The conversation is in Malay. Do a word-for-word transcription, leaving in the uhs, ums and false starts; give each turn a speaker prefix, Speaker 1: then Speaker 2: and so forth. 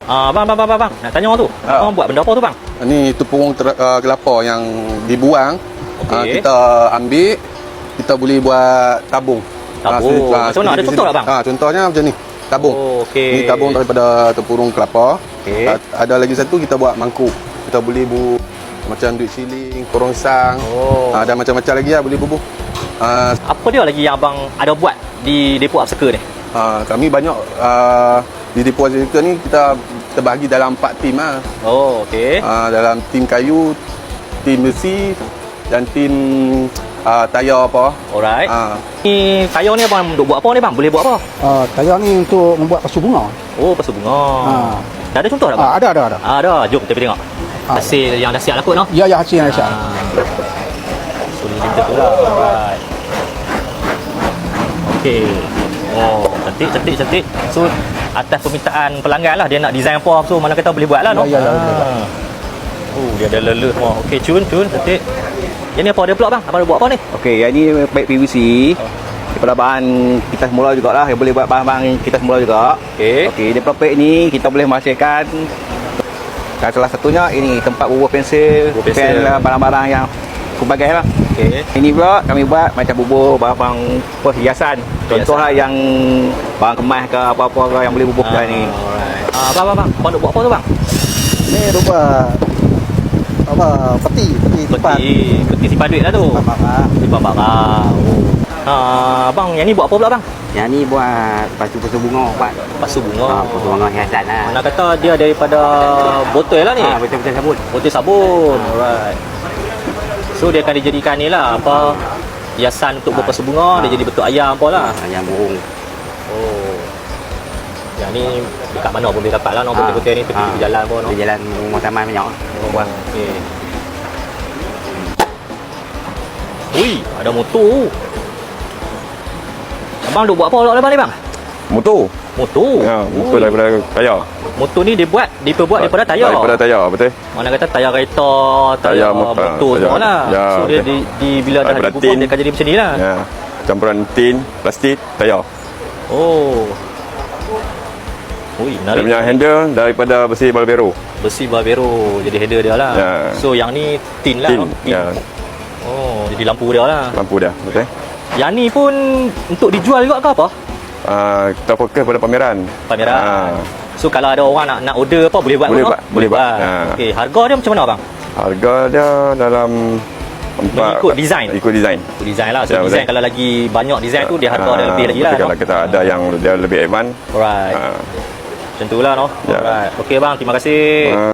Speaker 1: Ah, bang, bang, bang, bang, bang. Nak tanya orang tu.
Speaker 2: Ha.
Speaker 1: Abang buat benda apa tu, bang?
Speaker 2: Ini tepung ter, uh, kelapa yang dibuang.
Speaker 1: Okey.
Speaker 2: Uh, kita ambil, kita boleh buat tabung.
Speaker 1: Tabung.
Speaker 2: Ah,
Speaker 1: Macam mana? Ada contoh tak, bang?
Speaker 2: Ah, contohnya macam ni. Tabung.
Speaker 1: Oh, okey.
Speaker 2: Ni tabung daripada tepung kelapa.
Speaker 1: Okey.
Speaker 2: Ah, ada lagi satu kita buat mangkuk. Kita boleh bu macam duit siling, korongsang.
Speaker 1: Oh.
Speaker 2: Ah, ada macam-macam lagi lah boleh bubuh. Ah,
Speaker 1: Apa dia lagi yang abang ada buat di depo Upcycle ni?
Speaker 2: ah, kami banyak ah, di depo Upcycle ni kita terbagi dalam empat tim lah.
Speaker 1: Oh, okey.
Speaker 2: Ah, dalam tim kayu, tim besi dan tim ah, tayar apa.
Speaker 1: Alright.
Speaker 2: Ah,
Speaker 1: Ni kayu ni abang duk buat apa ni, bang? Boleh buat apa?
Speaker 3: Uh, tayar ni untuk membuat pasu bunga.
Speaker 1: Oh, pasu bunga.
Speaker 3: Ha.
Speaker 1: Dah ada contoh tak, bang?
Speaker 3: Ah, ada, ada, ada.
Speaker 1: Ah, ada. Jom kita pergi tengok.
Speaker 3: Ah.
Speaker 1: Hasil yang dah siap lah kot, no?
Speaker 3: Ya, ya, hasil yang siap.
Speaker 1: Ah. So, ni limited tu lah. Alright. Okey. Oh, cantik, cantik, cantik. So, atas permintaan pelanggan lah, dia nak design apa, so mana kata boleh buat lah, no?
Speaker 3: Ya, ya, ya, ya.
Speaker 1: Ah. Oh, dia ada leleh semua. Okey, cun, cun, cantik. Yang ni apa dia pula, bang? Abang buat apa ni?
Speaker 4: Okey, yang ni paip P V C. Daripada bahan kita semula jugalah, yang boleh buat bahan-bahan kita semula juga.
Speaker 1: Okey.
Speaker 4: Okey, daripada paip ni kita boleh menghasilkan dan salah satunya ini tempat bubuh pensel,
Speaker 1: Bubuh pensel.
Speaker 4: pen lah, barang-barang yang pelbagai lah.
Speaker 1: Okey.
Speaker 4: Ini pula kami buat macam bubuh barang perhiasan. Contohlah yang barang kemas ke apa-apa ke yang boleh bubuh
Speaker 1: Ah,
Speaker 4: kat ni.
Speaker 1: alright. Ah, bang, bang, bang. Abang nak buat apa tu, bang?
Speaker 3: Ni rupa apa peti, peti tempat.
Speaker 1: Peti, peti simpan duit lah tu.
Speaker 3: Tempat barang.
Speaker 1: Simpan barang. Oh. Ah, bang, yang ni buat apa pula, bang?
Speaker 4: Yang ni buat pasu-pasu bunga, buat
Speaker 1: Pasu bunga.
Speaker 4: ha, pasu bunga hiasan lah.
Speaker 1: Mana kata dia daripada botol lah ni.
Speaker 4: Ha, betul-betul sabun.
Speaker 1: Botol sabun. Alright. So dia akan dijadikan ni lah apa hiasan untuk berpasu bunga, dia jadi bentuk ayam apa lah.
Speaker 4: Ha, yang burung.
Speaker 1: Oh. Yang ni dekat mana pun boleh dapat lah, no,
Speaker 4: Ha.
Speaker 1: betul-betul ni tepi-tepi
Speaker 4: Ha.
Speaker 1: jalan pun, no.
Speaker 4: Di jalan rumah taman banyak.
Speaker 1: Oh, bang. Okey. Ui, ada motor. Abang duk buat apa pula lepas ni, bang?
Speaker 5: Motor.
Speaker 1: Motor.
Speaker 5: Ya, motor
Speaker 1: Ui.
Speaker 5: daripada tayar.
Speaker 1: Motor ni dia buat, diperbuat daripada tayar.
Speaker 5: Daripada tayar, betul.
Speaker 1: Mana kata tayar kereta, tayar,
Speaker 5: Tayar mo-
Speaker 1: motor
Speaker 5: tayar.
Speaker 1: semua lah.
Speaker 5: Ya,
Speaker 1: So dia
Speaker 5: betul.
Speaker 1: di, di bila dah
Speaker 5: Daripada
Speaker 1: dibubuh
Speaker 5: tin.
Speaker 1: dia akan jadi macam ni lah.
Speaker 5: Ya. Campuran tin, plastik, tayar.
Speaker 1: Oh. Ui,
Speaker 5: Dia
Speaker 1: menarik.
Speaker 5: punya handle daripada besi Balbero.
Speaker 1: Besi Barbero jadi header dia lah.
Speaker 5: Ya.
Speaker 1: So yang ni tin lah.
Speaker 5: Tin.
Speaker 1: no? Tin.
Speaker 5: Ya,
Speaker 1: Oh, jadi lampu dia lah.
Speaker 5: lampu dah, betul.
Speaker 1: Yang ni pun untuk dijual juga ke apa?
Speaker 5: Ah, kita fokus pada pameran.
Speaker 1: Pameran.
Speaker 5: Ah,
Speaker 1: So kalau ada orang nak nak order apa boleh buat
Speaker 5: Boleh
Speaker 1: pun,
Speaker 5: buat,
Speaker 1: no?
Speaker 5: boleh buat.
Speaker 1: buat.
Speaker 5: Ha.
Speaker 1: Okey, harga dia macam mana, bang?
Speaker 5: harga dia dalam empat
Speaker 1: Mengikut design.
Speaker 5: Ikut design.
Speaker 1: Ikut design lah. So
Speaker 5: Ya,
Speaker 1: design
Speaker 5: betul.
Speaker 1: kalau lagi banyak design tu dia harga dia
Speaker 5: Ah,
Speaker 1: lebih lagi lah.
Speaker 5: betul.
Speaker 1: No?
Speaker 5: Kalau kita ada yang dia lebih advance.
Speaker 1: Alright.
Speaker 5: Ah,
Speaker 1: Macam tu lah, no?
Speaker 5: Ya.
Speaker 1: Alright. Okey, bang. Terima kasih.
Speaker 5: ah,